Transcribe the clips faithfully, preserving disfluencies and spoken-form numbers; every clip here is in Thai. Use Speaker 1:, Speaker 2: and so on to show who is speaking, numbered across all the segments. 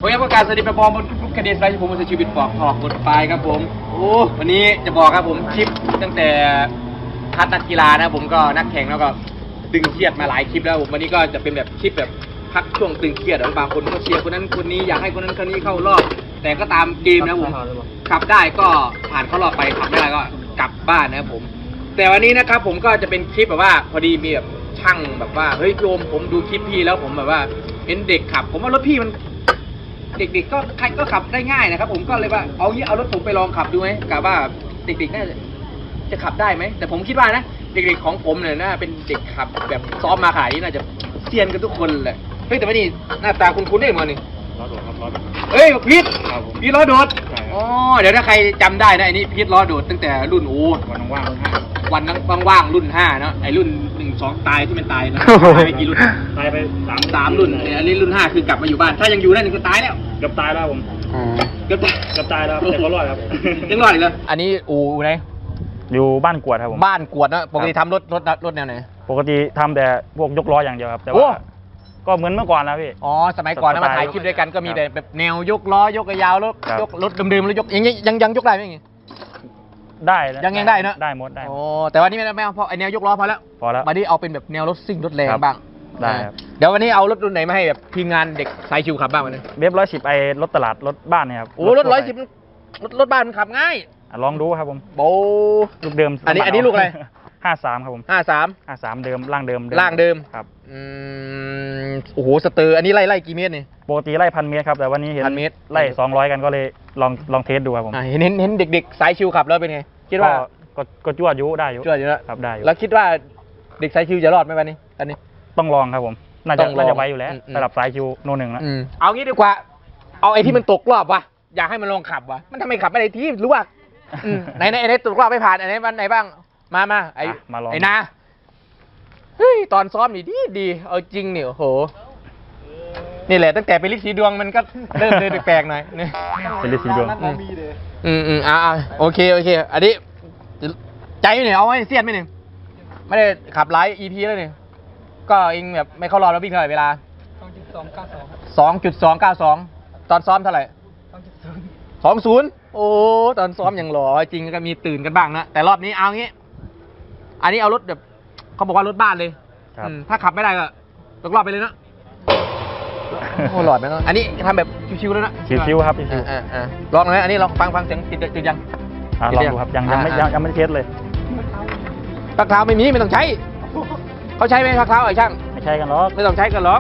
Speaker 1: ผมยังประกาศสวัสดีไปบอมบนทุกๆคดีไลฟ์ผมมันจะชีวิตปอกถอกบทปลายครับผมโอ้วันนี้จะบอกครับผมคลิปตั้งแต่คัดนักกีฬานะผมก็นักแข่งแล้วก็ดึงเครียดมาหลายคลิปแล้วผมวันนี้ก็จะเป็นแบบคลิปแบบพักช่วงตึงเครียดบางคนก็เชียร์คนนั้นคนนี้อยากให้คนนั้นคนนี้เข้ารอบแต่ก็ตามเกมนะผมขับได้ก็ผ่านเข้ารอบไปขับไม่ได้ก็กลับบ้านนะครับผมแต่วันนี้นะครับผมก็จะเป็นคลิปแบบว่าพอดีมีแบบช่างแบบว่าเฮ้ยโยมผมดูคลิปพี่แล้วผมแบบว่าเห็นเด็กขับผมว่ารถพี่มันเด็กๆก็ใครก็ขับได้ง่ายนะครับผมก็เลยว่าเอางี้เอารถผมไปลองขับดูไหมกะว่าเด็กๆน่าจะจะขับได้ไหมแต่ผมคิดว่านะเด็กๆของผมเนี่ยน่าเป็นเด็กขับแบบซ้อมมาขนาดนี้น่าจะเซียนกันทุกคนแหละเฮ้ยแต่ว่านี่หน้าตาคุ้นๆได้มาหนึ่ง
Speaker 2: ล้อโดดครับล้อโดด
Speaker 1: เฮ้ยพีทพีทล้อโดดอ๋อเดี๋ยวถ้าใครจำได้นะไอ้นี่พีทล้อโดดตั้งแต่รุ่นโอ้
Speaker 2: วันว่างรุ่นห้า
Speaker 1: วันนั้นว่างๆรุ่นห้าเนาะไอ้รุ่นหนึ่งสองตายที่มันตายนะตายไปกี่รุ่น
Speaker 2: ตายไปสาม
Speaker 1: สามรุ่นอันนี้รุ่นห้าคือกลับมาอยู่บ้านถ้ายังอยู่นั่นก็ตายแล้ว
Speaker 2: เกือบตายแล้วผม
Speaker 1: เกือบตาย
Speaker 2: เกือบตายแล้วแต่ก็รอดครับ
Speaker 1: ยังรอดอีกเลยอันนี้อู่ไหน
Speaker 2: อยู่บ้านกวดครับผม
Speaker 1: บ้านกวดนะปกติทำรถรถรถแนวไหน
Speaker 2: ปกติทำแต่พวกยกล้ออย่างเดียวครับแต่ว่าก็เหมือนเมื่อก่อนนะพี่
Speaker 1: อ๋อสมัยก่อนนะมาถ่ายคลิปด้วยกันก็มีแต่แบบแนวยกล้อยกยาวรถยกรถเดิมๆแล้วยกยังยังยังยกได้ไหมอย่างงี้
Speaker 2: ได้
Speaker 1: ยังยังได้เนอะ
Speaker 2: ได้หมดได้
Speaker 1: โอ้แต่วันนี้ไม่ไม่เอาเพราะไอแนวยกล้อพอแล้ว
Speaker 2: พอแล้ว
Speaker 1: มาดิเอาเป็นแบบแนวรถซิ่งรถแรงบ้าง
Speaker 2: ได้ครับ
Speaker 1: เดี๋ยววันนี้เอารถรุ่นไหนมาให้แบบทีมงานเด็กสายชิวขับบ้างวันนี้
Speaker 2: เว็บร้อยสิบไอรถตลาดรถบ้านเนี่ยครับ
Speaker 1: โอ้รถร้อยสิบรถรถบ้านมันขับง่าย
Speaker 2: ลองดูครับผม
Speaker 1: โบ
Speaker 2: ลูกเดิม
Speaker 1: อันนี้อันนี้ลูกอะไร
Speaker 2: ห้าสามครับผม
Speaker 1: ห้าสาม
Speaker 2: ห้าสามเดิมล่างเดิม
Speaker 1: ล่างเดิม
Speaker 2: ครับ
Speaker 1: อืมโอ้โหสเตอร์อันนี้ไล่ไล่กี่เมตรนี่
Speaker 2: ปกติไล่พันเมตรครับแต่วันนี้เห็น
Speaker 1: พันเมตร
Speaker 2: ไล่สองร้อยกันก็เลยลองลองเทสดูครับผม
Speaker 1: เห็นเห็นเห็นเด็กๆสายชิวขับแล้วเป็นไงคิดว่า
Speaker 2: ก็ก็จวดอยู่ได้อยู่
Speaker 1: จวดอยู่แล้ว
Speaker 2: ครับได้อยู่
Speaker 1: แล้วคิดว่าเด็กสายชิวจะรอดไหมวันนี้อันนี้
Speaker 2: ต้องลองครับผมน่าจะน่าจะไว้อยู่แล้วสำหรับสายชิวโนหนึ่งแล้ว
Speaker 1: เอางี้ดีกว่าเอาไอ้ที่มันตกรอบวะอยากให้มันลองขับวะมันทำไมขับไม่ได้ที่รู้ว่าไหนไหนไหนตกรอบไม่ผ่านอันไหนวันไหนบ้างมามาไอ้ไอ้นาเฮ้ยตอนซ้อมนี่ดีดีเอาจริงเนี่ยโอ้โหนี่แหละตั้งแต่เป็นลิสีดวงมันก็เริ่มเดินแปลกๆหน่อยนี่
Speaker 2: เป็นลิสีดวง
Speaker 1: อืมอืมอ่าโอเคโอเคอันนี้ใจเนี่ยเอาไว้เสียดไหมหนึ่งไม่ได้ขับไลฟ์ อี พี แล้วเนี่ยก็เองแบบไม่เข้ารอบแล้ววิ่งเท่าไหร่เวลา สองจุดสองเก้าสอง สองจุดสองเก้าสอง ตอนซ้อมเท่าไหร่ สองจุดศูนย์ สองศูนย์ โอ้ตอนซ้อมอย่างหล่อจริงก็มีตื่นกันบ้างนะแต่รอบนี้เอางี้อันนี้เอารถแบบเขาบอกว่ารถบ้านเลยถ้าขับไม่ได้ก็ตกรอบไปเลยนะโอ้หลอดไหมเนาะอันนี้ทำแบบชิวๆแล้วนะ
Speaker 2: ชิวๆครับชิว
Speaker 1: ๆลองเลยอันนี้ลองฟังฟังเสียงติดติดยัง
Speaker 2: ลองดูครับยังยังไม่ยังไม่เทสเลย
Speaker 1: พักเท้าไม่มีไม่ต้องใช้เขาใช้ไหมพักเท้าไอ้ช่าง
Speaker 2: ไม่ใช้กันหรอก
Speaker 1: ไม่ต้องใช้กันหรอก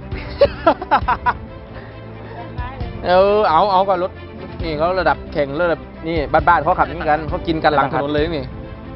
Speaker 1: เออเอาเอากับรถนี่เขาระดับแข่งระดับนี่บ้านๆเขาขับอย่างนี้กันเขากินกันหลังถนนเลยนี่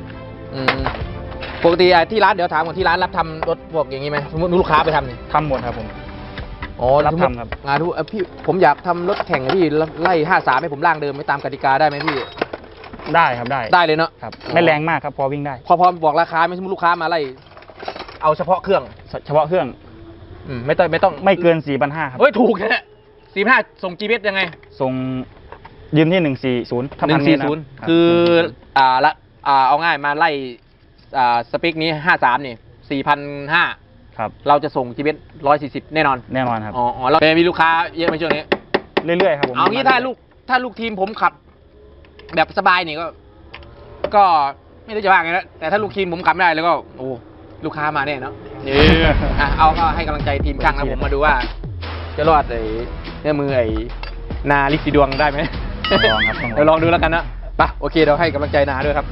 Speaker 1: ปกติที่ร้านเดี๋ยวถามก่อนที่ร้านรับทำรถพวกอย่างนี้ไหมสมมติลูกค้าไปทำนี่
Speaker 2: ทำหมดครับผม
Speaker 1: อ๋อรับทำครับงานดูพี่ผมอยากทำรถแข่งพี่ไล่ห้าสามให้ผมล่างเดิมไม่ตามกติกาได้ไหมพี่
Speaker 2: ได้ครับได้
Speaker 1: ได้เลยเนาะ
Speaker 2: ครับไม่แรงมากครับพอวิ่งได้
Speaker 1: พอพอบอกราคาไม่สมมติลูกค้ามาไล่เอาเฉพาะเครื่อง
Speaker 2: เฉพาะเครื่อง
Speaker 1: อืมไม่ต้องไม่ต้อง
Speaker 2: ไม่เกินสี่พันห้าครับ
Speaker 1: เฮ้ยถูกแค่สี่พันห้าส่ง จี พี เอส ยังไง
Speaker 2: ส่งยืมที่หนึ่งสี่ศูนย์
Speaker 1: หนึ่งสี่ศูนย์คืออ่าละอ่าเอาง่ายมาไล่อ่าสเปคนี้ห้าสามนี่สี่พันห้า
Speaker 2: ครับ
Speaker 1: เราจะส่ง จี พี เอส ร้อยสี่สิบแน่นอน
Speaker 2: แน่นอนครับ
Speaker 1: อ๋อเรามีลูกค้าเยอะไหมช่วงนี้
Speaker 2: เรื่อยๆครับผม
Speaker 1: เอางี้ถ้าลูกถ้าลูกทีมผมขับแบบสบายนี่ก็ก็ไม่รู้จะว่าไงนะแต่ถ้าลูกทีมผมขับไม่ได้แล้วก็โอ้ลูกค้ามาแน่เนาะอ่ะเอาก็ให้กำลังใจทีมช่างนะผมมาดูว่าจะรอดไอ้เนี่ยมือไอ้นาลิสีดวงได้ไหม
Speaker 2: ลองครับ
Speaker 1: เดี๋ยวลองดูแล้วกันนะไปโอเคเราให้กำลังใจนาด้วยครับ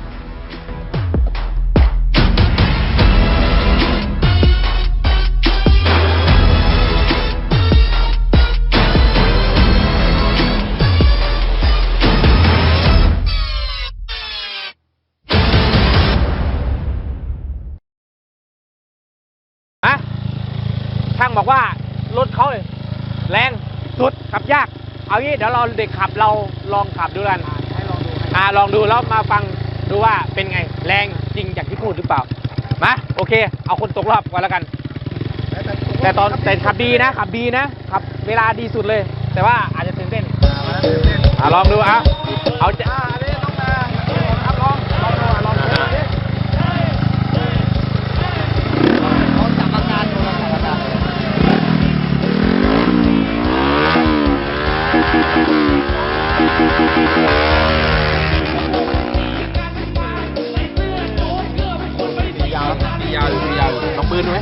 Speaker 1: ช่างบอกว่ารถเขาแรงสุดขับยากเอางี้เดี๋ยวเราเด็กขับเราลองขับดูกันให้ลองดูอ่าลองดูแล้วมาฟังดูว่าเป็นไงแรงจริงอย่างที่พูดหรือเปล่ามาโอเคเอาคนตกรอบก่อนแล้วกันแต่ตอนแต่ขับดีนะขับดีนะขับเวลาดีสุดเลยแต่ว่าอาจจะตื่นเต้นอ่าลองดูอ่ะเอาจะ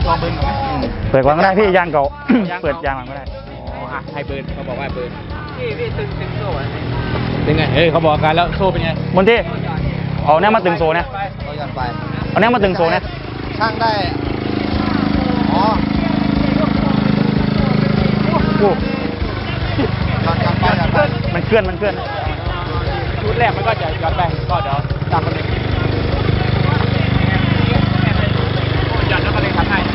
Speaker 1: ลองเบิร์นก่อนไหม
Speaker 2: เปิดก่อนก็ได้พี่ยางเก่า เปิดยางหลังก็ได้
Speaker 1: อ๋ออ่ะให้เบิร์นเขาบอกว่าเบิร์นพี่พี่ตึงตึงโซ่ตึงไงเฮ้ยเขาบอกกันแล้วโซ่เป็นไง
Speaker 2: บนที่เอาเนี้ยมาตึงโซ่เนี่ย
Speaker 3: เรายันไป
Speaker 2: เอาเนี้ยมาตึงโซ่เนี่ย
Speaker 3: ช่างได้อ๋อ
Speaker 2: โอ้
Speaker 3: ยันยันไปยันไป
Speaker 2: มันเคลื่อนมันเคลื่อน
Speaker 1: ชุดแรกมันก็จะย้อนไปก็เดี๋ยวตามกันเลยหยัดแล้วก็เลยทำให้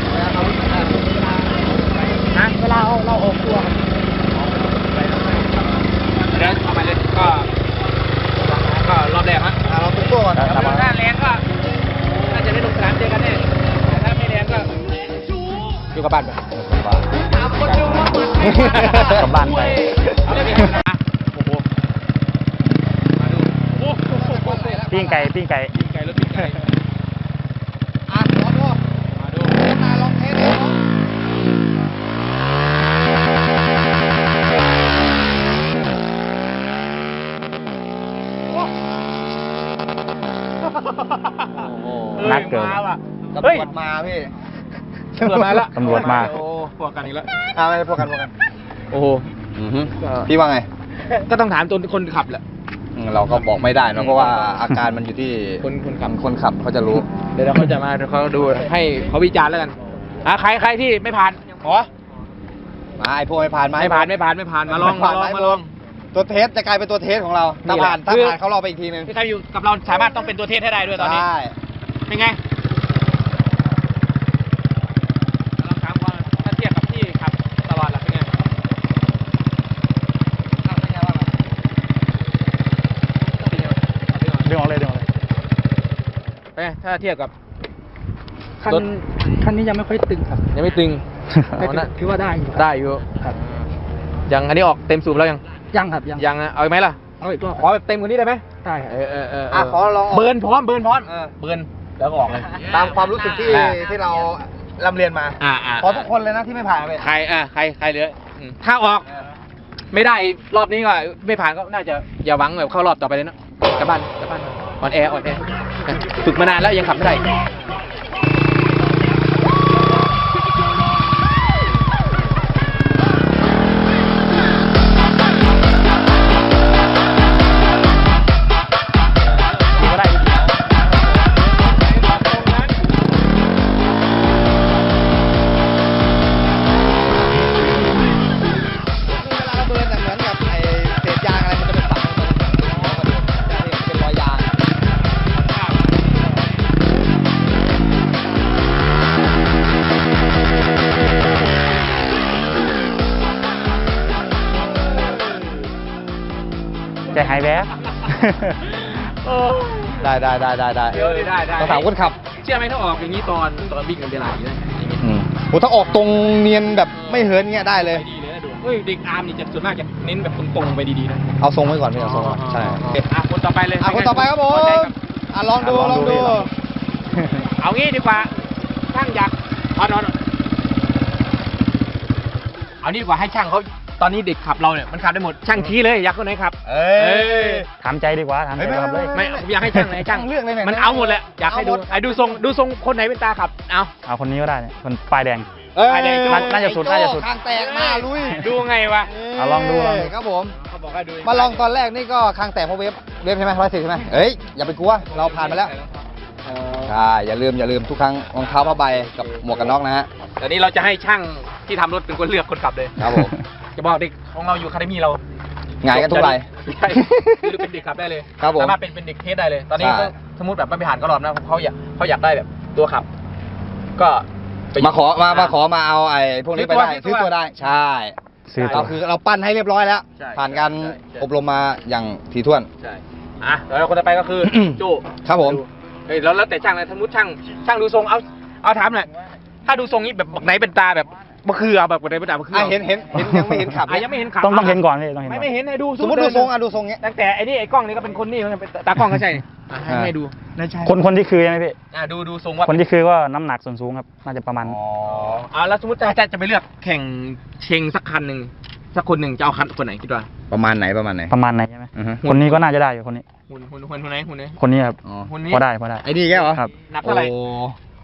Speaker 1: นะเวลาเราเราออกตัวเดี๋ยวเอาไปเลยก็ก็รอบแรกฮะ
Speaker 3: อ่ะเราตุ้งตัวก่อน
Speaker 1: ถ้าแรงก็น่าจะได้ลงสนามเจอกันแน่แต่ถ้าไม่แรงก็อยู่กับบ้านไป
Speaker 2: กลับบ้านไป
Speaker 1: เอาเลยพี่นะโอ้โหมาดูโอ้โห
Speaker 2: ปิ้งไก่ปิ้งไก่
Speaker 1: ปิ้งไก่รถปิ้งไก่
Speaker 3: อ่ะลองดู
Speaker 1: มาดู
Speaker 3: เทสมาลองเทสดูเนาะ
Speaker 2: นักเกิน
Speaker 1: มาว่ะ
Speaker 3: ตำร
Speaker 1: เฮ้ยว
Speaker 3: จมาพี่
Speaker 1: ตำรวจมาแล้ว
Speaker 2: ตำรวจมา
Speaker 1: โอ้พวกกันอีกแล้ว
Speaker 3: อ่าไม่พวกกันพวกกัน
Speaker 1: โอ้โห
Speaker 3: พี่ว่าไง
Speaker 1: ก็ต้องถามตัวคนขับแหละ
Speaker 3: อืมเราก็บอกไม่ได้เนอะเพราะว่าอาการมันอยู่ที่
Speaker 1: คนคนขับ
Speaker 3: คนขับเขาจะรู้
Speaker 1: เดี๋ยวเขาจะมาเดี๋ยวเขาดูให้เขาวิจารณ์แล้วกันอ่ะใครใครที่ไม่ผ่านอ๋อ
Speaker 3: มาไอพวกไม่ผ่านมา
Speaker 1: ไม่ผ่านไม่ผ่านไม่ผ่านมาลองมาลองมาลอง
Speaker 3: ตัวเทสจะกลายเป็นตัวเทสของเรา
Speaker 1: นี่
Speaker 3: ถ้า
Speaker 1: แหละ
Speaker 3: ผ่านถ้า
Speaker 1: คือ
Speaker 3: ผ่านเขารอไปอีกทีนึง
Speaker 1: ที่ใครอยู่กับเราสามารถต้องเป็นตัวเทสให้ได้ด้วยตอนนี้
Speaker 3: ใช่
Speaker 1: เป็นไงลองถามว่าถ้าเทียบกับที่ขับตลอดล่ะเป็นไง
Speaker 2: ดึงออกเลยดึงออกเลย
Speaker 1: เป็นไงถ้าเทียบกับ
Speaker 4: คัน
Speaker 1: รถ
Speaker 4: คันนี้ยังไม่ค่อยตึงครับ
Speaker 1: ยังไม่ตึง
Speaker 4: แต่
Speaker 1: อ๋อนะ
Speaker 4: ถือว่าได้อยู่
Speaker 1: ได้อยู่
Speaker 4: ครับ
Speaker 1: ยังอันนี้ออกเต็มสูบแล้วยัง
Speaker 4: ยังครับยัง
Speaker 1: ยังนะเอาอีกไหมล่ะ
Speaker 4: เอาอีกรอบ
Speaker 1: ขอแบบเต็มกว่านี้ได้ไหม
Speaker 4: ได้ครับ
Speaker 1: เออเออเออ
Speaker 3: อ่ะขอลอง
Speaker 1: เบิร์นพร้อมเบิร์นพร้อม
Speaker 3: เออ
Speaker 1: เบิร์นแล้วก็ออกเลย
Speaker 3: ตามความรู้สึกที่
Speaker 1: อ่า
Speaker 3: ที่เราลำเรียนมา
Speaker 1: อ่าอ่า
Speaker 3: ขอทุกคนเลยนะที่ไม่ผ่านไป
Speaker 1: ใครอ่าใครใครเหลืออืมถ้าออก ไม่ได้รอบนี้ก็ไม่ผ่านก็น่าจะอย่าหวังแบบเข้ารอบต่อไปเลยเนอะกลับบ้านกลับบ้านอ่อนแออ่อนแอฝึกมานานแล้วยังขับไม่ได้
Speaker 2: ก็ได้
Speaker 3: เวลาเราเบิร์นเหมือนกับไอเศษยางอะไรมันจะเป็นฝังลงไปเป็นรอยยาง
Speaker 2: ใจหายแวบ
Speaker 3: ได้ได้ได้ได้ได้
Speaker 1: เดี๋ยวได้ได้
Speaker 3: ต้องถามคนขับ
Speaker 1: เชื่อไหมถ้าออกอย่างนี้ตอนตอนวิ่งกันเวลาอย่างนี้นะอย่างนี้
Speaker 3: โอ้ถ้าออกตรงเนียนแบบไม่เหินเงี้ยได้เลย
Speaker 1: ไปดีเลยนะดูเฮ้ยเด็กอาร์มนี่จะส่วนมากจะเน้นแบบตรงๆไปดีๆนะ
Speaker 3: เอาทรงไว้ก่อนพี่เอาทรงไว้ใช่
Speaker 1: อ่ะคนต่อไปเลย
Speaker 3: อ่ะคนต่อไปครับผม
Speaker 1: พอใจกับ
Speaker 3: อ่ะลองดู
Speaker 2: อ่ะ
Speaker 3: ล
Speaker 2: ล
Speaker 3: อ
Speaker 2: อง งดู
Speaker 3: ดู
Speaker 2: ลองดู
Speaker 1: เอางี้ดีกว่าช่างอยากเอาเอาเอานี่ดีกว่าให้ช่างเขาตอนนี้เด็กขับเราเนี่ยมันขับได้หมดช่างชี้เลยอยากคนไหนขับ
Speaker 3: เอ้ย
Speaker 2: ถามใจดีกว่าถามใจครับเลย
Speaker 1: ไม่ผมอยากให้ช่างไหนช่าง
Speaker 3: ช่างเลือกเลยเนี่ย
Speaker 1: มันเอาหมดแหละอยากให้ดู
Speaker 3: เอาหมด
Speaker 1: ไอ้ดูทรงดูทรงคนไหนเป็นตาขับเอา
Speaker 2: เอาคนนี้ก็ได้เนี่ยคนป้ายแดง
Speaker 3: เอ้ย
Speaker 1: ไอ้แดงโจ้
Speaker 2: น่าจะสุดน่าจะสุด
Speaker 3: คางแตกมาลุย
Speaker 1: ดูไงวะ
Speaker 2: เอาลองดูลองดู
Speaker 3: ครับผม
Speaker 1: เขาบอกให้ดู
Speaker 3: มาลองตอนแรกนี่ก็คางแตกเพราะเวฟเวฟใช่ไหมร้อยสิบใช่ไหมเอ้ยอย่าไปกลัวเราผ่านมาแล้วใช่อย่าลืมอย่าลืมทุกครั้งรองเท้าผ้าใบกับหมวกกันน็อกนะฮะ
Speaker 1: แต่นี้เราจะให้ช่างที่ทำรถเป็นคนเลือกคนขับเลย
Speaker 3: ครับผม
Speaker 1: จะบอกเด็กของเราอยู่คาเดมี่เรา
Speaker 3: หงายกันทุกราย
Speaker 1: ใช่คือเป็นเด็กขับได้เลย
Speaker 3: ครับผม
Speaker 1: สามารถเป็นเป็นเด็กเทสได้เลย ตอนนี้
Speaker 3: ใช่
Speaker 1: ก็สมมติแบบไม่ผ่านก็รอบนะเขาอยากเขาอยากได้แบบตัวขับ ก็ไป
Speaker 3: มาขอมามาขอมาเอาไอ้พวกนี้ไปได้
Speaker 1: ซื้
Speaker 3: ซื้
Speaker 1: อ
Speaker 3: อ
Speaker 1: ตัว
Speaker 3: ตัวได้ใช่
Speaker 2: ซื้อตั
Speaker 3: เรา
Speaker 2: ว
Speaker 3: คือเราปั้นให้เรียบร้อยแล้ว
Speaker 1: ใช่
Speaker 3: ผ่านการ
Speaker 1: ใช่ใช่
Speaker 3: อบรมมาอย่างถี่ถ้วน
Speaker 1: ใช่อ่ะแล้วคนต่อไปก็คือ โจ
Speaker 3: ครับผม
Speaker 1: ดูเฮ้ยแล้วแล้วแต่ช่างเลยสมมติช่างช่างดูทรงเอาเอาถามหน่อยถ้าดูทรงนี้แบบบักไหนเป็นตาแบบมะเขือแบบบักไหนเป็นตามะเขือ
Speaker 3: อ่ะเห็นเห็นเห็นยังไม่เห็นขับ
Speaker 1: อ่ะยังไม่เห็นขับ
Speaker 2: ต้องต้องเห็นก่อนพี่ต้องเห็น
Speaker 1: ไม่
Speaker 2: ก่อน
Speaker 1: ไม่เห็นให้ดู
Speaker 3: สมมติดูทรงอ่ะดูทรงเงี้ย
Speaker 1: ตั้งแต่ไอ้นี่ไอ้กล้องนี่ก็เป็นคนนี่มันเป็นตากล้องก็ใช่อ่ะให้
Speaker 3: อ่า
Speaker 1: ให้ดู
Speaker 4: น่าใช่
Speaker 2: คนคนที่คือใช่ไหมพี่
Speaker 1: อ่ะดูดูทรงว่า
Speaker 2: คนที่คือก็น้ำหนักส่วนสูงครับน่าจะประมาณ
Speaker 3: อ๋อ
Speaker 1: อ่าแล้วสมมติจะจะจะไปเลือกแข่งเชงสักคันหนึ่งสักคนหนึ่งจะเอาคันคนไหนคิดว่า
Speaker 3: ประมาณไหนประมาณไหน
Speaker 2: ประมาณไหนใช่ไหม
Speaker 3: อือฮึ
Speaker 2: คนนี้ก็น่าจะได้อยู่คนนี้
Speaker 1: หุ่นหุ่นหุ่นหุ่นไหนหุ่นไหน
Speaker 2: คนนี้ครับ
Speaker 3: อ๋อ
Speaker 1: หุ่นนี้
Speaker 2: พอได้พอได้
Speaker 3: ไอ้นี่แกเหรอ
Speaker 2: ครับ
Speaker 1: หนักเท่าไหร่
Speaker 3: โอ้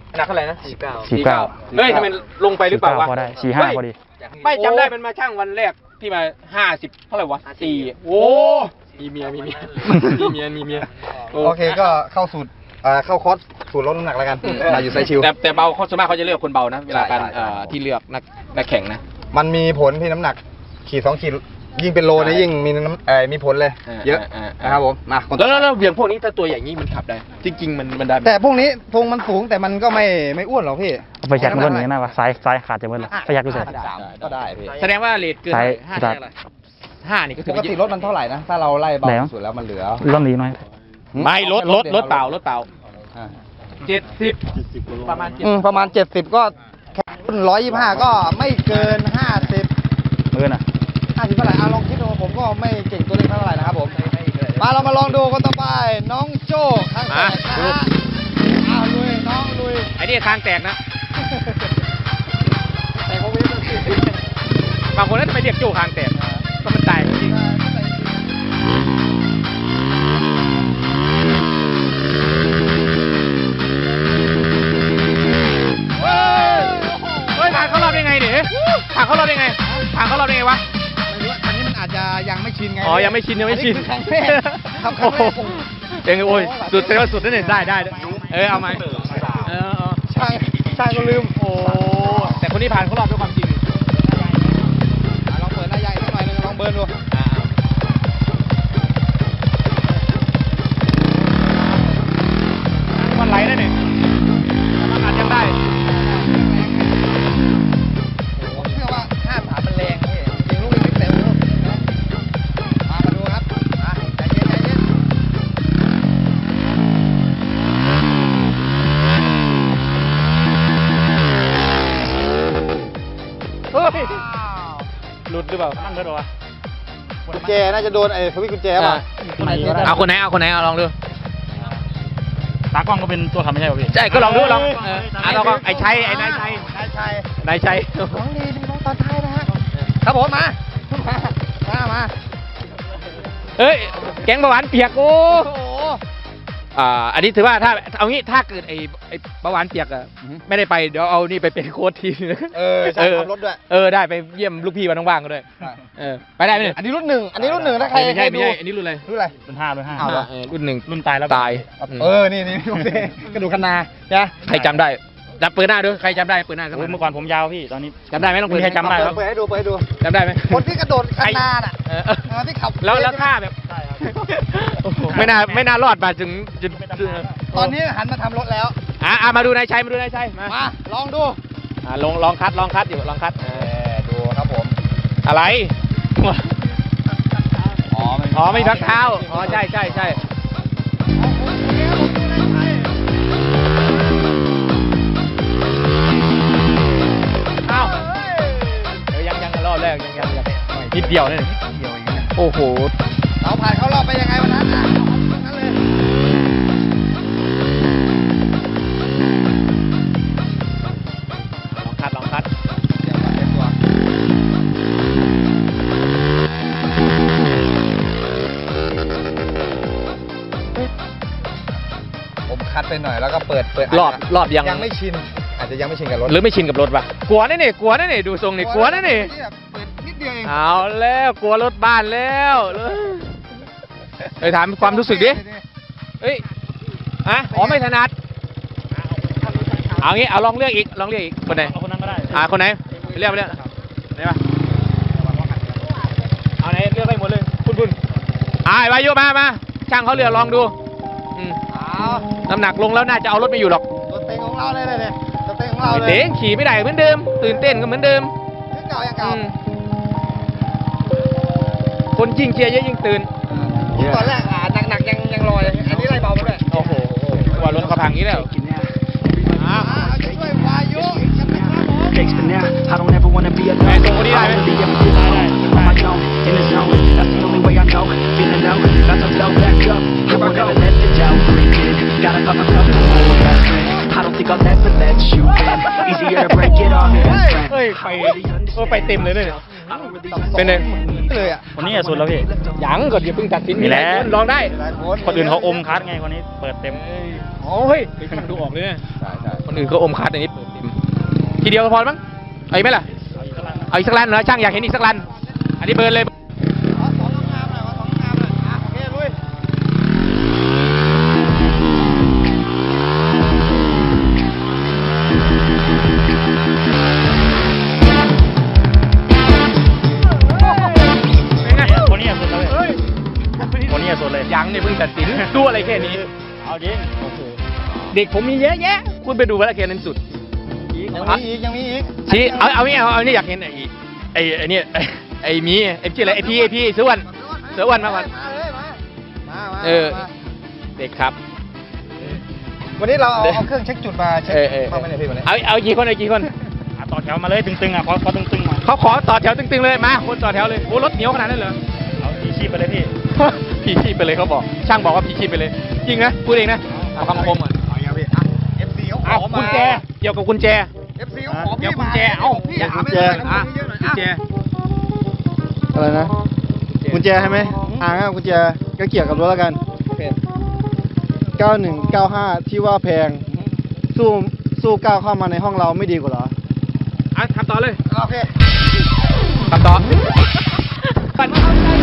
Speaker 1: หนักเท่าไหร่นะสี่เก้า
Speaker 2: สี่เก้า
Speaker 1: เฮ้ยทำไมลงไปหรือเปล่าวะ
Speaker 2: พอได้สี่ห้า
Speaker 1: เฮ้ย
Speaker 2: พอดี
Speaker 1: ไม่จำได้มันมาช่างวันแรกที่มาห้าสิบเท่าไหร่วะสี่โอ้มีเมียมีเมียมีเมียมีเมีย
Speaker 3: โอเคก็เข้าสูตรอ่าเข้าคอร์สสูตรลดน้ำหนักแล้วกันมาอยู่ไซชิว
Speaker 1: แต่แต่เบาเขาส่วนมากเขาจะเลือกคนเบานะเวลาการ
Speaker 3: ใช่ใช่
Speaker 1: เอ่อที่เลือกนักนักแข่งนะ
Speaker 3: มันมีผลที่น้ำหนักขีดสองขีดยิ่งเป็นโลเนี่ยยิ่งมีน้ำเอ่อมีผลเลย
Speaker 1: อ่า
Speaker 3: เยอะ
Speaker 1: อ่าอ่า
Speaker 3: นะครับผมมาคนต่
Speaker 1: แล้
Speaker 3: อ
Speaker 1: ว
Speaker 3: ไป
Speaker 1: แล้วแล้วเบี่ยงพวกนี้ถ้าตัวใหญ่งี้มันขับได้ จริง ๆ มันมันได้ไหม
Speaker 3: แต่พวกนี้ทรงมันสูงแต่มันก็ไม่ไม่อ้วนหรอกพี่
Speaker 2: เอาไปจัดมันก็หนีนะวะซ้ายซ้ายขาดจะเบิ้ลไปยักดูสิ
Speaker 3: ห้าสิบสามก็ได้พี่
Speaker 1: แสดงว่าเลทเกิน
Speaker 2: ซ้าย
Speaker 1: ห้า
Speaker 2: ซ้าย
Speaker 1: ได้อะไรห้านี่ก็ถื
Speaker 3: ป
Speaker 1: อก ว่า
Speaker 3: ติรถมันเท่าไหร่นะ ถ้าเราไล่เบา
Speaker 2: แล้ว
Speaker 3: สุดแล้วมันเหลือ
Speaker 2: ร่อนดีหน่อย
Speaker 1: ไม่รถรถรถเปล่ารถเปล่า
Speaker 3: อ่า
Speaker 1: เจ็ดสิบประมาณเจ็ด
Speaker 3: อืมประมาณเจ็ดสิบก็แค่รุ่นร้อยยี่ห้าก็ไม่เกินห้าสิบ
Speaker 2: มือน่ะ
Speaker 3: ห้าสิบเท่าไหร่อ่ะลองคิดดูผมก็ไม่เก่งตัวเลขเท่าไหร่นะครับผมมาเรามาลองดูคนต่อไปน้องโจ้ข้างแตกนะฮะอ้าวลุยน้องลุย
Speaker 1: ไอ้นี่คางแตกนะ
Speaker 3: แต่เขาไม่ได้
Speaker 1: บางคนก็จะไปเรียกโจ้คางแตกก็มันตายจริงเฮ้ยเฮ้ยผ่านเขารอบได้ไงเนี่ยผ่านเขารอบได้ไงผ่านเขารอบได้ไงวะ
Speaker 3: ไม่รู้อันนี้มันอาจจะยังไม่ชินไง
Speaker 1: อ๋อยังไม่ชินยังไม่ชิน
Speaker 3: อัคือครั้งแรกครับครั้งแรกผม
Speaker 1: เองโอ้ยสุดแสดงว่าสุดนั่นเองได้ได้ได้เออเอาไหมเออเออ
Speaker 3: ช่างช่างก็ลืม
Speaker 1: โอ้แต่คนที่ผ่านเขารอบด้วยความจริง
Speaker 3: อ่ะลองเปิดหน้าใหญ่สักหน่อยหนึงลองเบิร์นดู
Speaker 1: อ่ามันไหลได้เนี่ยมันอัดยังได้
Speaker 3: ผมเชื่อว่าห้าสามมันแรงพี่จริงลูกนี้ไม่เต็มลูกมามาดูครับมาใจเย็นใจเย็น
Speaker 1: เฮ้ยหลุดหรือเปล่า
Speaker 2: นั่งก็โดนวะ
Speaker 3: กุญแจน่าจะโดนไอ้สวิตช์กุญแจป่ะ
Speaker 1: เอาคนไหนเอาคนไหนเอาลองดู
Speaker 2: ตากล้องก็เป็นตัวขับไม่ใช่ป่ะพี่
Speaker 1: ใช่ก็ลองดูลองเอออ่ะลองไอ้ชัยไอ้นายชัย
Speaker 3: นายชัย
Speaker 1: นายชัย
Speaker 3: น้องดีดีน้องตอนท้ายนะฮะครับผมมามามามา
Speaker 1: เอ้ยแก๊งเบาหวานเปียกโอ้
Speaker 3: โอ้โห
Speaker 1: อ่าอันนี้ถือว่าถ้าเอางี้ถ้าเกิดไอ้ไอ้เบาหวานเปียกอะไม่ได้ไปเดี๋ยวเอานี่ไปเป็นโค้ชทีนึง
Speaker 3: เออช่างขับรถด้วย
Speaker 1: เออได้ไปเยี่ยมลูกพี่วันว่างๆก็ด้วย
Speaker 3: ใช่
Speaker 1: เออไปได้ไหมเนี่ย
Speaker 3: อันนี้รุ่นหนึ่งอันนี้รุ่นหนึ่งถ้าใคร
Speaker 1: ไม่ใช่
Speaker 3: ให้
Speaker 1: ไม่
Speaker 3: ดู
Speaker 1: ใช่อันนี้รุ่นอะไร
Speaker 3: รุ่นอะไร
Speaker 2: รุ่นห้ารุ่นห้า
Speaker 3: อ้าวเหรอ
Speaker 1: เออรุ่นหนึ่ง
Speaker 2: รุ่นตายแล้ว
Speaker 1: ตาย
Speaker 3: เออนี่นี่โอเคกระดูกคะนานะ
Speaker 1: ใครจำได้ดับเปิดหน้าด้วยใครจำได้เปิดหน้าสักห
Speaker 2: โอ้
Speaker 1: น่อย
Speaker 2: ยเมื่อก่อนผมยาวพี่ตอนนี้
Speaker 1: จำได้ไหมลองเปิด
Speaker 2: ไม่มีใครจำได้ครับ
Speaker 3: เปิดให้ดูเปิดให้ดู
Speaker 1: จำได้ไหม
Speaker 3: คนที่กระโดดคะนาน่ะ
Speaker 1: เออ
Speaker 3: เออที่ขับ
Speaker 1: แล้วแล้วท่าแบบไม่น่าไม่น่ารอดมาถึงจุด
Speaker 3: ตอนนี้หันมาทำรถแล้ว
Speaker 1: อ่ะอ่ะมาดูนายชัยมาดูนายชัยมา
Speaker 3: มาลองดู
Speaker 1: อ่ะลองลองคัดลองคัดอยู่ลองคัด
Speaker 3: เออดูครับผม
Speaker 1: อะไร
Speaker 3: อ๋อไม่
Speaker 1: อ๋อไม่มีพักเท้าอ๋อใช่ใช่ใช่เอ้าเดี๋ยวยังยังรอบแรกยังยังยังนิดเดียวนี่
Speaker 3: เดียวเองนะ
Speaker 1: โอ้โห
Speaker 3: เราผ่านเข้ารอบไปยังไงวันนั้นอ่ะเอานั้นเลย
Speaker 1: ลองคัดลองคัด
Speaker 3: เดี๋ยวก่อนเตรียมตัวผมคัดไปหน่อยแล้วก็เปิดเปิด
Speaker 1: รอบรอบยัง
Speaker 3: ยังไม่ชิน อาจจะยังไม่ชินกับรถ
Speaker 1: หรือไม่ชินกับรถปะกลัวแน่นี่กลัวแน่นี่ดูทรงนี่กลัวแน่นี่
Speaker 3: เปิดนิดเดียวเอง
Speaker 1: เอาแล้วกลัวรถบ้านแล้วไปถามความรู้สึกดิเอ้ยอะอ๋อไม่ถนัดเอางี้เอาลองเลือกอีกลองเลือกอีกคนไหน
Speaker 2: เอาคนนั้นก็ได้
Speaker 1: อ่าคนไหนไปเลือกไปเลือกไหนปะเอาไหนเลือกได้หมดเลยคุณคุณอ่าไอ้วายุมามาช่างเขาเลือกลองดูอืม
Speaker 3: เอา
Speaker 1: น้ำหนักลงแล้วน่าจะเอารถไม่อยู่หรอก
Speaker 3: ตัวเต็งของเราเลยเลยเนี่ยตัวเต็งของเราเลย
Speaker 1: เด้งขี่ไม่ได้เหมือนเดิม ตื่นเต้นก็เหมือนเดิม
Speaker 3: ยังเก่ายังเก่า
Speaker 1: อืมคนยิ่งเชียร์เยอะยิ่งตื่น
Speaker 3: ตอนแรกอ่าหนักๆยังยังลอยอันนี้ไล่เบามาด้วย
Speaker 1: โอ้โหว่ารถเขาพังอย่างนี้แล้วอ้าว
Speaker 3: อ่าจะช่วยวายุยังไม่ครับผม
Speaker 5: Gangsta now, I don't ever wanna be alone.
Speaker 1: Man, so what do you
Speaker 5: I
Speaker 1: like,
Speaker 5: don't
Speaker 1: man?
Speaker 5: really ever get alone. On my own, in the zone, that's the only way I know. Feeling low, about to blow back up. Here I never let the doubt creep in. Gotta pop myself to hold that friend. I don't think I'll ever let you in. Easier to break it off than friends.
Speaker 1: เฮ้ยไปเออไปเต็มเลยเนี่ยเป็นไง
Speaker 3: เลยอ่ะ
Speaker 2: คนนี้อะสุดแล้วพี่
Speaker 1: ยังก็อย่าเพิ่งตัดสิน
Speaker 2: มีแล้ว
Speaker 1: หายคนลองได้
Speaker 3: หลายคน
Speaker 2: คนอื่นเขาอมคัดไงคนนี้เปิดเต็ม
Speaker 1: โอ้ยไปฟังดูออกเลยนะ
Speaker 3: ใช่ใช่
Speaker 1: คนอื่นเขาอมคัดอันนี้เปิดเต็มทีเดียวก็พอมั้งเอาอีกไหมล่ะเอาอีกสักลันเหรอช่างอยากเห็นอีกสักลันอันนี้เบิร์นเลย
Speaker 3: เอาสองงามหน่อยเอาสองงามหน่อยอ่ะโอเคลุย
Speaker 2: คนนี้อะสุดแล้วพี่คนนี้อะสุดเลย
Speaker 1: ยังเนี่ยเพิ่งตัดสินดูอะไรแค่นี้
Speaker 2: เอาจริง
Speaker 1: เด็กผมมีเยอะแยะ คุณไปดูว่าแค่นั้นสุด
Speaker 3: ยังมีอีกยังมีอีก
Speaker 1: ชี้เอาเอานี่เอาเอานี่อยากเห็นไอ้ไอ้ไอ้นี่ไอ้ไอ้หมีไอ้ชื่ออะไรไอ้พี่ไอ้พี่เสือวันเสือวันมาวัน
Speaker 3: มาเลยมามามา
Speaker 1: เออ เด็กครับ
Speaker 3: วันนี้เราเอาเอาเครื่องเช็คจุดมาเช็ค
Speaker 1: เออเออ
Speaker 3: เข้ามาในพี่วันนี้
Speaker 1: เอาเอากี่คนเอากี่คน
Speaker 2: อ่ะต่อแถวมาเลยตึงๆอ่ะขอขอตึงๆมา
Speaker 1: เขาขอต่อแถวตึงๆเลยมาคนต่อแถวเลยโอ้รถเหนียวขนาดนั้นเหรอ
Speaker 2: เอาที่ชีพไปเลยพี่
Speaker 1: พี่ชีพไปเลยเขาบอก ช่างบอกว่าพี่ชีพไปเลย จริงนะพูดเองนะเอาคำคมก่อน
Speaker 3: เอาอย่างพี่อ่ะ เอฟ ซี เขาข
Speaker 1: เอา
Speaker 3: อมา
Speaker 1: กุญแจเกี่ยวกับกุญแจ
Speaker 3: เอฟ ซี เขาขอ
Speaker 1: เดี๋ยว
Speaker 3: พี่
Speaker 1: กุ
Speaker 3: มา
Speaker 1: ญแจเอา
Speaker 3: พี่
Speaker 1: อย่า
Speaker 3: หาไม่
Speaker 1: กุญแจ
Speaker 3: ได้นะ
Speaker 1: อ่ะ
Speaker 3: เยอะหน่อย
Speaker 1: กุญแจ
Speaker 3: อ่ะ
Speaker 6: อะไรนะกุญแจใช่ไหมอ่างั้นกุญแจก็เกี่ยวกับรถแล้วกัน เก้าหนึ่งเก้าห้า ที่ว่าแพง สู้สู้ก้าวเข้ามาในห้องเราไม่ดีกว่าเหรอ
Speaker 1: อ่ะทำต่อเลย
Speaker 3: โอเค
Speaker 1: ทำต่อปั่น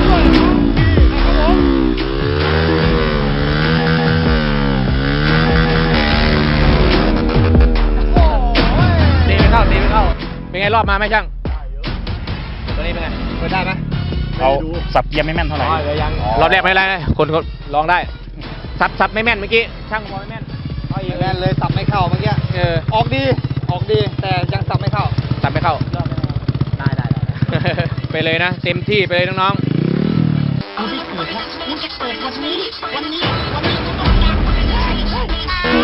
Speaker 1: ตีไม่เข้าตีไม่เข้าเป็นไงรอบมาไหมช่างตัวนี้เป็นไงเปิดได้ไหม
Speaker 2: เอาสับเกียร์ไม่แม่นเท่าไหร่
Speaker 1: อ๋อเดี๋ยวยังรอบแรกไม่เป็นไรนะคนเขาลองได้ซับซับไม่แม่นเมื่อกี้ช่างพอไม่แม่นเอาอีก
Speaker 3: แน่นเลยสับไม่เข้าเมื่อกี้
Speaker 1: เออ
Speaker 3: ออกดี ออกดี แต่ยังสับไม่เข้า
Speaker 1: ซับไม่เข้า
Speaker 3: ได้ได้ได้
Speaker 1: ไปเลยนะเต็มที่ไปเลยน้อง
Speaker 7: เอาที่เกิดแล้วมันจะเกิดวันนี้ วันนี้ วันนี้ก็ต้องการไปเลย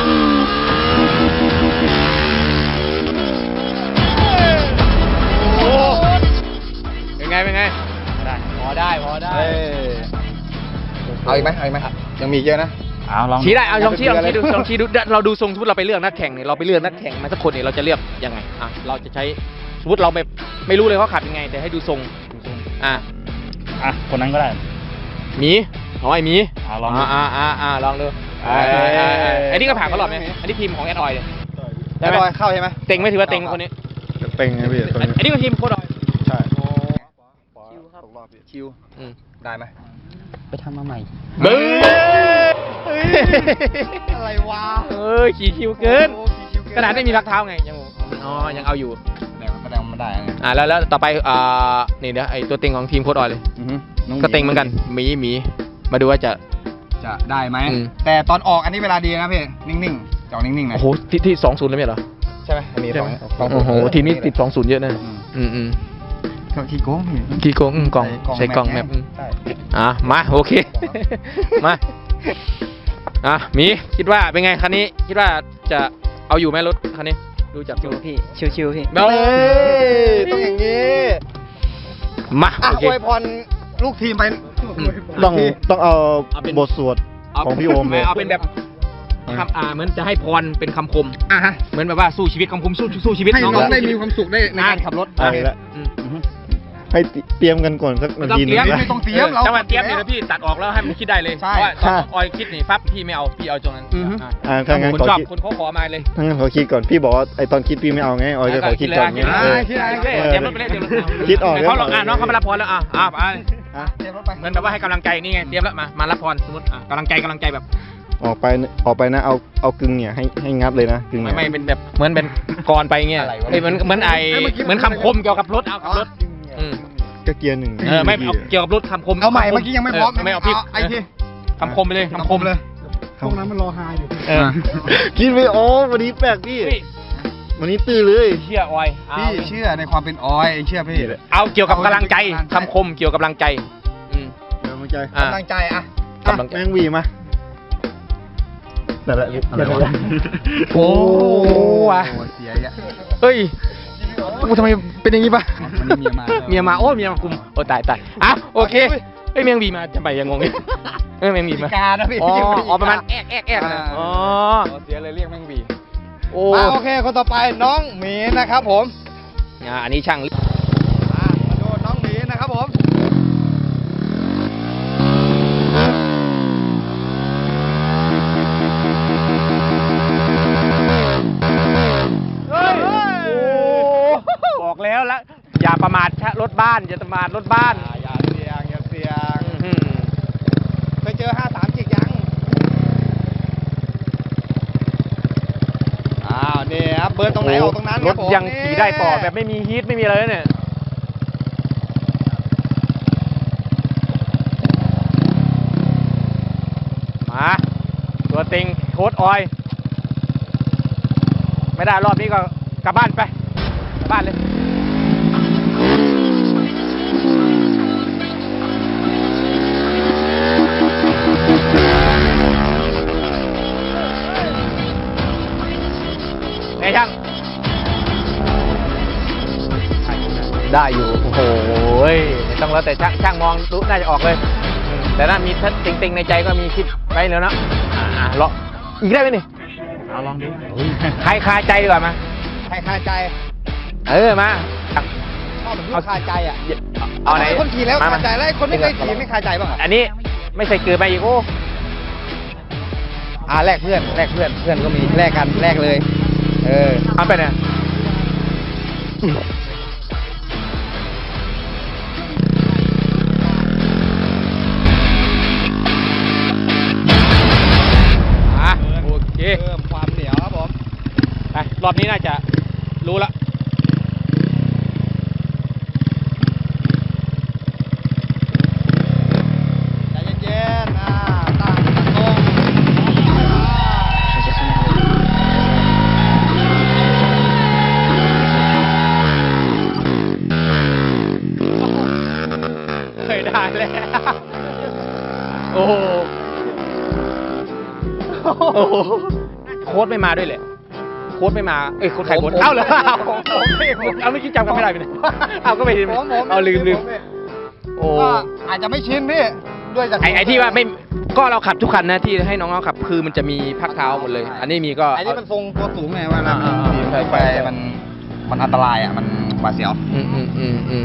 Speaker 1: ๆโอ้เป็นไงเป็นไง
Speaker 2: ได้
Speaker 1: พอได้พอได้
Speaker 3: เอ้ยเอาอีกไหมเอาอีกไหมยังมีเยอะนะ
Speaker 2: เอาลอง
Speaker 1: ชี้ได้เอาลองชี้ลองชี้ดูลองชี้ดูเราดูทรงสมมติเราไปเลือกนักแข่งเนี่ยเราไปเลือกนักแข่งมาสักคนเนี่ยเราจะเลือกยังไงอ่ะเราจะใช้สมมติเราแบบไม่รู้เลยเขาขับยังไง แต่ให้ดูทรงอ่ะ
Speaker 2: อ่ะคนนั้นก็ได้
Speaker 1: หมีเอาไอ้หมี
Speaker 2: อ่ะลองดู
Speaker 1: อ่าอ่าอ่าลองดู
Speaker 3: เอ้ย
Speaker 1: อ่าอ่าอ่าอันนี้ก็ผ่านเขาหรอบไหมอันนี้ทีมของแอดออยเลย
Speaker 3: ได้บอยเข้าใช่ไหม
Speaker 1: เต็งไหม่ถือว่าเต็งคนนี้
Speaker 6: เต็งไงพี่ตัว
Speaker 1: อัน
Speaker 6: นี้
Speaker 1: อันนี้ก็ทีมโคดอย
Speaker 6: ใช่
Speaker 3: ชิวครับชิว
Speaker 1: อืม
Speaker 3: ได้ไหม
Speaker 4: ไปทำมาใหม่
Speaker 1: เบ้อ
Speaker 3: อะไรวะ
Speaker 1: เอ้ยขี่คิวเกิน
Speaker 3: โอ้ชิวเ
Speaker 1: ขนาดไม่มีรักเท้าไงยังอ๋อยังเอาอยู่
Speaker 3: แต่มันแสดงว่ามันได้ไง
Speaker 1: อ่าแล้วแล้วต่อไปอ่านี่เดี๋ยวไอตัวเต็งของทีมโคดออยเลย
Speaker 6: อือฮึน้อง
Speaker 1: ก็เต็งเหมือนกันหมีหมีมาดูว่าจะ
Speaker 3: จะได้ไหม
Speaker 1: อืม
Speaker 3: แต่ตอนออกอันนี้เวลาดีนะพี่ นิ่งๆจะออกนิ่งๆหนะ
Speaker 1: โอ้โหที่ที่สองศูนย์เลยไหมเหรอ
Speaker 3: ใช่ไหมอันนี้สองสอง
Speaker 1: โอ้โหทีมนี้ติดสองศูนย์เยอะนะ
Speaker 3: อืม
Speaker 1: อืมอืม
Speaker 3: เขาขี้โกงพี่
Speaker 1: กี่กล่องอืมกล่องใช้กล่องแมปอืม
Speaker 3: ใช่
Speaker 1: อ่ะมาโอเค มาอ่ะหมีคิดว่าเป็นไงคันนี้ คิดว่าจะเอาอยู่ไหมรถคันนี้ ดูจาก
Speaker 4: ชิวพี่ ชิวๆพี่
Speaker 1: เบ้
Speaker 3: เฮ้ยต้องอย่างนี้
Speaker 1: มา
Speaker 3: อ่ะ
Speaker 1: โอเค
Speaker 3: อวยพรลูกทีมไป
Speaker 6: ต้องต้องเอา
Speaker 1: เอาเป็น
Speaker 6: บทสวด
Speaker 1: เอา
Speaker 6: ของพี่โอมเลย
Speaker 1: เอาเป็นแบบคำอ่าเหมือนจะให้พรเป็นคำคม
Speaker 3: อ่ะฮะ
Speaker 1: เหมือนแบบว่าสู้ชีวิตคำคมสู้สู้ชีวิต
Speaker 3: ให้น้อง
Speaker 1: ก็
Speaker 3: ได้มีความสุขได้ในการขับรถ
Speaker 6: เอาละ
Speaker 1: อืม
Speaker 6: อือฮึให้เตรียมกันก่อนสัก
Speaker 1: ไม่
Speaker 6: นา
Speaker 1: ต้อง
Speaker 6: ทีหนึ
Speaker 1: เตรี
Speaker 6: ง
Speaker 1: ยม
Speaker 3: ไม่ต้องเตรียมเรา
Speaker 1: จังหวะเตรียมเดี๋ยวพี่ตัดออกแล้วให้มันคิดได้เลย
Speaker 3: ใช่
Speaker 1: เพราะว่าตอน
Speaker 6: ค่ะ
Speaker 1: ออยคิดนี่ปั๊บพี่ไม่เอาพี่เอาตรงนั้น
Speaker 3: อือฮึ
Speaker 1: อ่ะ
Speaker 6: อ่าถ้างั้น
Speaker 1: คน
Speaker 6: ขอ
Speaker 1: ชอบ
Speaker 6: คิด
Speaker 1: คนเขาขอมาเลย
Speaker 6: ถ้างั้นขอคิดก่อนพี่บอกว่าไอตอนคิดพี่ไม่เอาไงออยจะขอคิดก่อนไง
Speaker 1: คิดเลย
Speaker 6: เออ
Speaker 1: คิดเลยคิดเลยเตรียมรถไปเลยเตรียมรถ
Speaker 6: คิดออก
Speaker 1: เขาลอง
Speaker 6: แล้ว
Speaker 1: อ่ะน้องเขามารับพรแล้วอ่ะอ่ะไป
Speaker 3: อ่ะเตรียมรถไป
Speaker 1: เหมือนแบบว่าให้กำลังใจนี่ไงเตรียมแล้วมามารับพรสมมติอ่ะกำลังใจกำลังใจแบบ
Speaker 6: ออกไปออกไปนะเอาเอากึ่งเนี่ยให้ให้งับเลยนะกึ่ง
Speaker 1: ไม่
Speaker 6: เนี่ย
Speaker 1: ไม่เป็นแบบเหมือนเป็นกรไปเงี้ยเอ้ยเหมือนเหมือนไอเหมือนคำคมเกี่ยวกับรถเอากับรถอืม
Speaker 6: ก็เกียร์หนึ่ง
Speaker 1: เออไม่เอาเกี่ยวกับรถคำคม
Speaker 3: เอาใหม่เมื่อกี้ยังไม่พร้อม
Speaker 1: ไม่เอาพี่
Speaker 3: ไอ้ที่
Speaker 1: คำคมไปเลยคำคม
Speaker 3: เลย
Speaker 6: พวกนั้นมันรอหาอยู่
Speaker 1: เออ
Speaker 6: คิดไม่ออกวันนี้แปลกพี่
Speaker 1: พี่
Speaker 6: วันนี้ตื้อเลย
Speaker 1: เชื่อออยเอา
Speaker 3: พี่เชื่อในความเป็นออยเชื่อพี่
Speaker 1: เอาเกี่ยวกับกำลังใจคำคมเกี่ยวกับกำลังใจอืม
Speaker 6: กำลังใจ
Speaker 1: อ่ะ
Speaker 3: กำลังใจอ่ะ
Speaker 1: กำลังใจ
Speaker 6: แมงวีมาแต่ละอะไรวะ
Speaker 1: โอ้ว่ะ
Speaker 3: โอ้เสียอ่ะ
Speaker 1: เฮ้ยกูทำไมเป็นอย่างนี้ปะ
Speaker 3: วันนี้เมียมา
Speaker 1: เมียมาโอ้เมียมาคุมโอ้ตายตายอ่ะโอเคเฮ้ยเมียงบีมาจะไปยังงงเลยเอ้ยเมียงบีมา
Speaker 3: พิการนะพี่
Speaker 1: อ๋อ
Speaker 3: พิการ
Speaker 1: อ๋อประมาณแอกแอกแอกนะ
Speaker 3: อ่า
Speaker 1: อ๋อ
Speaker 3: เสียเลยเรียกแมงบี
Speaker 1: โอ้
Speaker 3: มาโอเคคนต่อไปน้องหมีนะครับผม
Speaker 1: อ่าอันนี้ช่าง
Speaker 3: มามาดูน้อง
Speaker 1: บ้านอย่าประมาทรถบ้าน
Speaker 3: อ่าอย่าเสี่ยงอย่าเสี่ยง
Speaker 1: อื้อหือ
Speaker 3: ไปเจอห้าสามจิกยังอ้าวนี่ครับเบิร์นตรงไหนออกตรงนั้นค
Speaker 1: ร
Speaker 3: รับ
Speaker 1: ถ
Speaker 3: ผม
Speaker 1: ยังขี่ได้ต่อแบบไม่มีฮีทไม่มีอะไรเลยเนี่ยมาตัวเต็งโค้ดออย ไม่ได้รอบนี้ก็กลับบ้านไปกลับบ้านเลยไงช่างได้อยู่โอ้โหไม่ต้องแล้วแต่ช่างช่างมองรู้น่าจะออกเลยอืมแต่ถ้ามีทัดติงๆในใจก็มีคิดไปแล้วเนาะอ่าเลาะอีกได้ไหมนี่
Speaker 2: เอาลองดู
Speaker 1: ใครคาใจดีกว่ามา
Speaker 3: ใครคาใจ
Speaker 1: เออมา
Speaker 3: ชอบแบบลูกคาใจอ่ะ
Speaker 1: เอาไหน
Speaker 3: คนขี่แล้ว
Speaker 1: ม
Speaker 3: คาใจแล้วไอ้คนไม่เคยขี่ไม่คาใจบ้างเหรอ
Speaker 1: อันนี้ไม่ใส่เกลือไปอีกโอ้
Speaker 3: อ่าแลกเพื่อนแลกเพื่อนเพื่อนก็มีแลกกันแลกเลย เออ
Speaker 1: เอาไปเนี่ยอ่ะโอเค
Speaker 3: เพิ่มความเหนียวครับผม
Speaker 1: ไปรอบนี้น่าจะรู้ละ
Speaker 3: ใจเย็นๆอ่าตั้งตรง
Speaker 1: เคยได้แล้วโอ้โหโอ้โหโค้ดไม่มาด้วยเลยโค้ดไม่มาเอ้ยโค้ดใครโค้ดเอ้าเหรอเอาเอาไม่คิดจำกันไม่ได้ไปเลยเอาก็ไป
Speaker 3: ผมผม
Speaker 1: เอาลืมลืม
Speaker 3: ผเนี่ย
Speaker 1: โอ้
Speaker 3: ก็อาจจะไม่ชินพี่ด้วยจาก
Speaker 1: ไอไอที่ว่าไม่ก็เราขับทุกคันนะที่ให้น้องเขาขับคือมันจะมีพักเท้าหมดเลย อันนี้มีก็
Speaker 3: ไอ้นี่มันทรงตัวสูงไงเวลา
Speaker 1: อ่า
Speaker 3: มัน
Speaker 1: อ่า
Speaker 3: ขี่
Speaker 1: ใช่
Speaker 3: ไป
Speaker 1: ใช่
Speaker 3: มันมันอันตรายอ่ะมันหวาดเสียว
Speaker 1: อืมอืมอืมอืม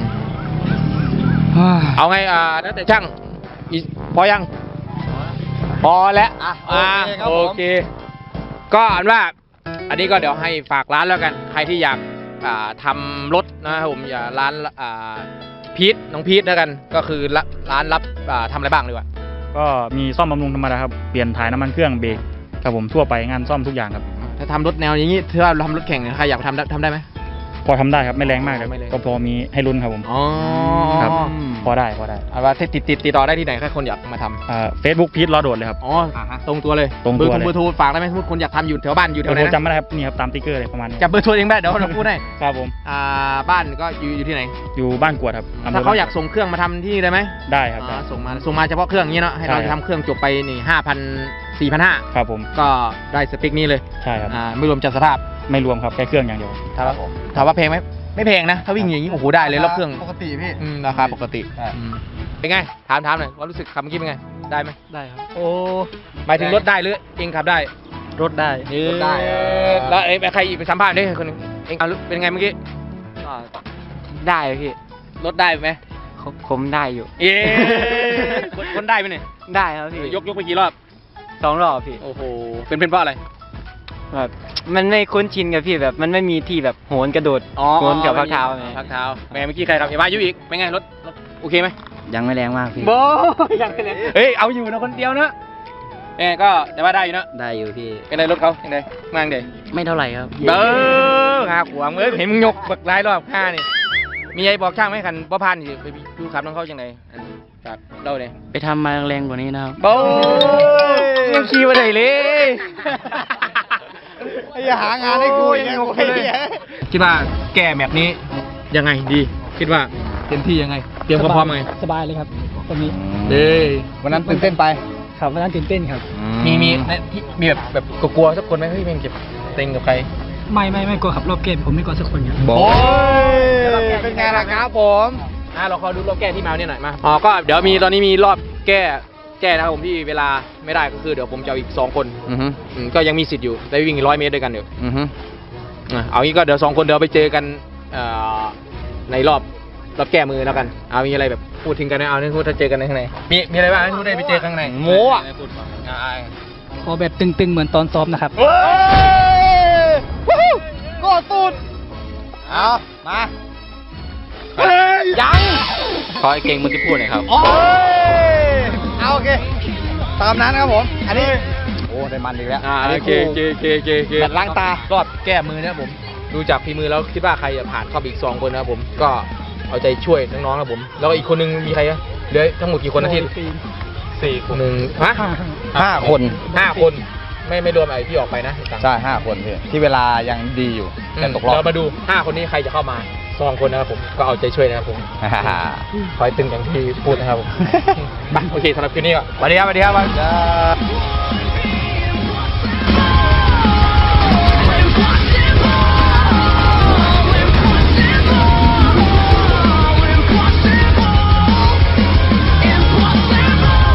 Speaker 1: เอาไงอ่าแล้วแต่ช่างอีพอยังพอแล้ว
Speaker 3: อ่ะ
Speaker 1: อ่า
Speaker 3: โอเคครับ
Speaker 1: โอ
Speaker 3: ผม
Speaker 1: เค ก็อันว่า อันนี้ก็เดี๋ยวให้ฝากร้านแล้วกัน ใครที่อยากอ่าทำรถนะครับผมอย่าร้านอ่าพีทน้องพีทแล้วกัน ก็คือร้านร้านรับอ่าทำอะไรบ้างดีกว่า
Speaker 2: ก็มีซ่อมบำรุงธรรมดาครับ เปลี่ยนถ่ายน้ำมันเครื่องเบรกครับผมทั่วไปงานซ่อมทุกอย่างครับ
Speaker 1: ถ้าทำรถแนวอย่างนี้ถ้าเราทำรถแข่งเนี่ยใครอยากทำได้ทำได้ไหม
Speaker 2: พอทำได้ครับไม่แรงมากครับ
Speaker 1: ไม่แรง
Speaker 2: ก็พอมีให้ลุ้นครับผม
Speaker 1: อ๋อ
Speaker 2: ครับ พอได้พอได้
Speaker 1: เอาว่าติดติดติดติดต่อได้ที่ไหนถ้าคนอยากมาทำ
Speaker 2: เฟซบุ๊กพีทล้อโดดเลยครับ
Speaker 1: อ๋อตรงตัวเลย
Speaker 2: ตรงตัว
Speaker 1: เบอร์
Speaker 2: เลย
Speaker 1: เบอร์โทรฝากได้ไหมสมมติคนอยากทำอยู่แถวบ้านอยู่แถ
Speaker 2: เดี๋ยว ว
Speaker 1: ไหน
Speaker 2: ผม
Speaker 1: นะ
Speaker 2: จำไม่ได้ครับนี่ครับตามติ๊กเกอร์เลยประมาณนี้
Speaker 1: จับเบอร์โทรเองได้เดี๋ยวเราพูดให้
Speaker 2: ครับผม
Speaker 1: อ่าบ้านก็อยู่อยู่ที่ไหน
Speaker 2: อยู่บ้านกวดครับำภ
Speaker 1: ถ้าเขาอยาก
Speaker 2: บ้นกวด
Speaker 1: ส่งเครื่องมาทำที่นี่ได้ไหม
Speaker 2: ได้ครับ
Speaker 1: อ๋
Speaker 2: ได้
Speaker 1: อส่งมาส่งมาเฉพาะเครื่องอย่างนี้เนาะให้เรา
Speaker 2: ใช่
Speaker 1: จะ
Speaker 2: ครับ
Speaker 1: ทำเครื่องจบไปนี่ห้าพันสี่พันห้า
Speaker 2: ครับผม
Speaker 1: ก็ได้สเปคนี้เลย
Speaker 2: ใช่ครับ
Speaker 1: อ่าไม่รวมจัดสภาพ
Speaker 2: ไม่รวมครับแค่เครื่องอย่างเดียว
Speaker 1: ถามว่าถามว่าแพงไหมไม่แพงนะ ถ้าวิ่งอย่างนี้โอ้โหได้เลยรอบเครื่อง
Speaker 3: ปกติพี่
Speaker 1: อืมราคาปกติ
Speaker 3: ใช่
Speaker 1: อืมเป็นไงถามถามหน่อยว่ารู้สึกขับเมื่อกี้เป็นไงได้ไหม
Speaker 2: ได้ครับ
Speaker 1: โอ้หมายถึงรถได้หรือเองขับได้
Speaker 2: รถได้
Speaker 1: รถได้แล้วเอ้ยใครอีกไปสัมภาษณ์ด้วยคนหนึงเองเอาเป็นไงเมื่อกี้
Speaker 4: ก็ได้พี่
Speaker 1: รถได้ไหม
Speaker 4: ผมผมได้อยู่
Speaker 1: เอ๊คนคนได้ไหมเนี่ย
Speaker 4: ได้ครับพี่
Speaker 1: ยกยกไปกี่รอบ
Speaker 4: สองรอบพี่
Speaker 1: โอ้โหเป็นเป็นเพราะอะไร
Speaker 4: แบบมันไม่คุ้นชินกับพี่แบบมันไม่มีที่แบบโหนกระโดด
Speaker 1: อ๋อ
Speaker 4: โหนกับพักเท้าไง
Speaker 1: พักเท้าแหมเมื่อกี้ใครทำเอวายุอีกเป็นไงรถรถโอเคไหม
Speaker 4: ยังไม่แรงมากพี่
Speaker 1: โบยังไงเฮ้ยเอาอยู่นะคนเดียวนะเอ้ก็แต่ว่าได้อยู่นะ
Speaker 4: ได้อยู่พี่
Speaker 1: เป็นไรรถเขายังไงมาจังไง
Speaker 4: ไม่เท่าไหร่ครับ
Speaker 1: เบ้อหาขวางเอ้ยเห็นมึงยกบักหลายรอบห้านี่มีไอ้บอกช่างไหมคันบ่พันสิไปดูขับน้องเขาจังไงอันฝากเล่าเลย
Speaker 4: ไปทำมาแรงกว่านี้นะครับ
Speaker 1: โบ้ยังขี่มาได้เลย
Speaker 3: อย่าหางานให้กูอีกนะ
Speaker 1: โอเคเลยคิดว่าแก้แมปนี้ยังไงดี คิดว่าเต็มที่ยังไง เตรียมความพร้อมยังไง
Speaker 8: สบายเลยครับตรงนี้
Speaker 1: เด้ย
Speaker 3: วันนั้นตื่นเต้นไป
Speaker 8: ครับวันนั้นตื่นเต้นครับ
Speaker 1: มีมีที่มีแบบแบบกลัวๆสักคนไหมเฮ้ยแม่งเก็บเต็งกับใคร
Speaker 8: ไม่ไม่ไม่กลัวขับรอบเกมผมไม่กลัวสักคนครับ
Speaker 1: โอ้ย
Speaker 3: เป็นไงล่ะครับผม
Speaker 1: อ่ะเราขอดูรอบแก้ที่มาเนี่ยหน่อยมาอ๋อก็เดี๋ยวมีตอนนี้มีรอบแก้แก้นะครับผมที่เวลาไม่ได้ก็คือเดี๋ยวผมจะเอาอีกสองคน
Speaker 3: อือฮึ
Speaker 1: อืมก็ยังมีสิทธิ์อยู่ได้วิ่งร้อยเมตรด้วยกันเดี๋ยว
Speaker 3: อือฮึ
Speaker 1: อ่ะเอางี้ก็เดี๋ยวสองคนเดี๋ยวไปเจอกันเอ่อในรอบรอบแก้มือแล้วกันเอามีอะไรแบบพูดถึงกันนะเอาเนี่ยพูดถ้าเจอกันในข้างในมีมีอะไรบ้างที่พูดได้ไปเจอข้างในโม้อะอ่ะ
Speaker 8: ขอแบบตึงๆเหมือนตอนซ้อมนะครับ
Speaker 3: เฮ้ยวู้ฮู้ก็ตูดเอามายัง
Speaker 1: ขอไอ้เก่งมึงจะพูดหน่อยครับ
Speaker 3: โอ้ยเอาโอเค ตามนั้นครับผม อันนี้ โอ้ได้มันอีกแล้ว
Speaker 1: อ่า
Speaker 3: อัน
Speaker 1: โอ
Speaker 3: นี้
Speaker 1: เคโอเคโอเคโอเคโอเค
Speaker 3: แบบล้างตา
Speaker 1: รอบแก้มือนะครับผม ดูจากฝีมือแล้วคิดว่าใครจะผ่านเข้าไปอีกสองคนนะครับผม ก็เอาใจช่วยน้องๆครับผม แล้วก็อีกคนนึงมีใครอะเหลือทั้งหมดกี่คนนะที่สี่คนหนึ่งฮะ
Speaker 3: ห้าคน
Speaker 1: ห้าคน ไม่ไม่รวมไอ้ที่ออกไปนะ
Speaker 3: ใช่ห้าคนพี่ที่เวลายังดีอยู่
Speaker 1: อื
Speaker 3: แต่
Speaker 1: ม
Speaker 3: ตกรอบ
Speaker 1: เรามาดูห้าคนนี้ใครจะเข้ามาสองคนนะครับผม ก็เอาใจช่วยนะครับผม คอยตึงอย่างที่พูดนะครับผม ไปโอเคสำหรับคืนนี้ก็สวัสดีครับสวัสดีครับ